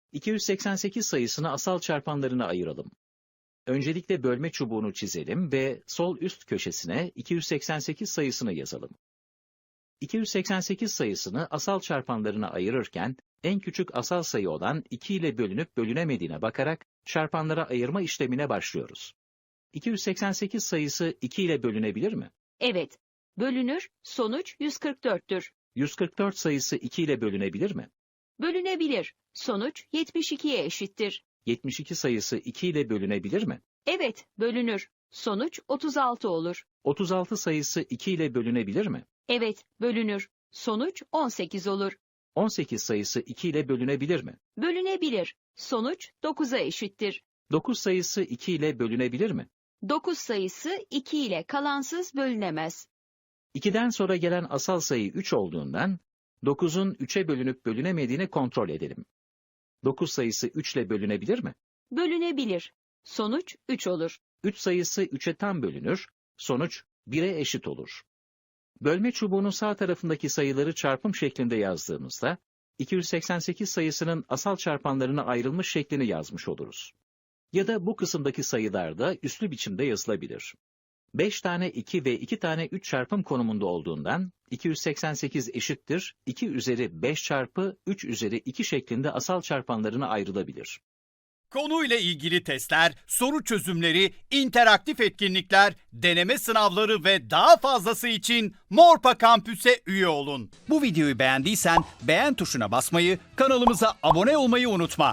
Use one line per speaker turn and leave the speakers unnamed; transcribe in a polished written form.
288 sayısını asal çarpanlarına ayıralım. Öncelikle bölme çubuğunu çizelim ve sol üst köşesine 288 sayısını yazalım. 288 sayısını asal çarpanlarına ayırırken, en küçük asal sayı olan 2 ile bölünüp bölünemediğine bakarak çarpanlara ayırma işlemine başlıyoruz. 288 sayısı 2 ile bölünebilir mi?
Evet, bölünür, sonuç 144'tür.
144 sayısı 2 ile bölünebilir mi?
Bölünebilir, sonuç 72'ye eşittir.
72 sayısı 2 ile bölünebilir mi?
Evet, bölünür, sonuç 36 olur.
36 sayısı 2 ile bölünebilir mi?
Evet, bölünür, sonuç 18 olur.
18 sayısı 2 ile bölünebilir mi?
Bölünebilir, sonuç 9'a eşittir.
9 sayısı 2 ile bölünebilir mi?
9 sayısı 2 ile kalansız bölünemez.
2'den sonra gelen asal sayı 3 olduğundan, 9'un 3'e bölünüp bölünemediğini kontrol edelim. 9 sayısı 3 ile bölünebilir mi?
Bölünebilir, sonuç 3 olur.
3 sayısı 3'e tam bölünür, sonuç 1'e eşit olur. Bölme çubuğunun sağ tarafındaki sayıları çarpım şeklinde yazdığımızda, 288 sayısının asal çarpanlarına ayrılmış şeklini yazmış oluruz. Ya da bu kısımdaki sayılar da üslü biçimde yazılabilir. 5 tane 2 ve 2 tane 3 çarpım konumunda olduğundan, 288 eşittir 2 üzeri 5 çarpı 3 üzeri 2 şeklinde asal çarpanlarına ayrılabilir.
Konuyla ilgili testler, soru çözümleri, interaktif etkinlikler, deneme sınavları ve daha fazlası için Morpa Kampüs'e üye olun. Bu videoyu beğendiysen beğen tuşuna basmayı, kanalımıza abone olmayı unutma.